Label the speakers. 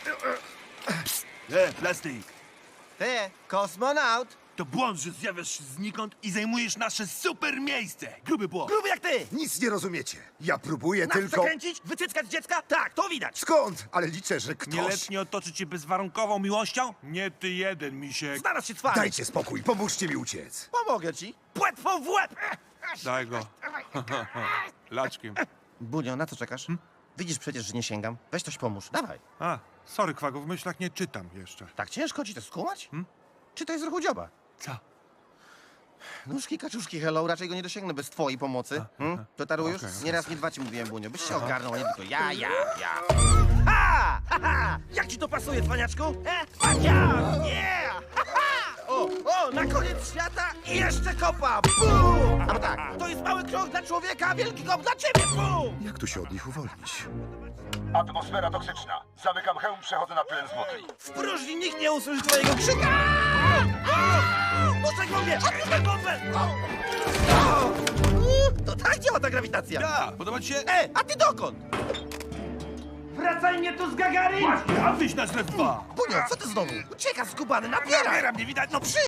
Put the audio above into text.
Speaker 1: Plastik.
Speaker 2: Ty, kosmonaut!
Speaker 1: To błąd, że zjawiasz się znikąd i zajmujesz nasze super miejsce. Gruby błąd.
Speaker 2: Gruby jak ty!
Speaker 3: Nic nie rozumiecie. Ja próbuję
Speaker 2: Nas
Speaker 3: tylko...
Speaker 2: zakręcić? Wycyckać dziecka? Tak, to widać!
Speaker 3: Skąd? Ale liczę, że ktoś...
Speaker 1: Nieletnie otoczy cię bezwarunkową miłością? Nie ty jeden, misiek.
Speaker 2: Znalazł się twarz!
Speaker 3: Dajcie spokój, pomóżcie mi uciec.
Speaker 2: Pomogę ci! Płetwą w łeb!
Speaker 1: Daj go. Laczkiem.
Speaker 2: Bunio, na co czekasz? Widzisz przecież, że nie sięgam. Weź coś pomóż, dawaj.
Speaker 1: A, sorry, Kwago, w myślach nie czytam jeszcze.
Speaker 2: Tak ciężko ci to skumać? Czy to jest ruchu dzioba?
Speaker 1: Co?
Speaker 2: Nóżki, kaczuszki, hello, raczej go nie dosięgnę bez twojej pomocy. To tarujesz?
Speaker 1: Okej,
Speaker 2: Nie raz, nie dwa ci mówiłem, Bunio. Byś się ogarnął, a nie tylko ja. Ha! Ha, ha! Jak ci to pasuje, cwaniaczku? Tak ja! Yeah! Ha, ha! O, na koniec świata i jeszcze kopa! Bum! Albo tak, to jest mały krok dla człowieka, wielki kop dla ciebie! Bum!
Speaker 3: Jak tu się od nich uwolnić?
Speaker 4: Atmosfera toksyczna. Zamykam hełm, przechodzę na tlen złoty.
Speaker 2: W próżni nikt nie usłyszy twojego krzyka! Puszczaj bombę! Odbierz bombę! To tak działa ta grawitacja!
Speaker 1: Ja, podoba ci się?
Speaker 2: A ty dokąd?
Speaker 1: Wracaj mnie tu z Gagarin! Właśnie, a wyś nas we dwa!
Speaker 2: Bunio, co ty znowu? Ucieka skubany, napiera!
Speaker 1: Mnie widać, no przy...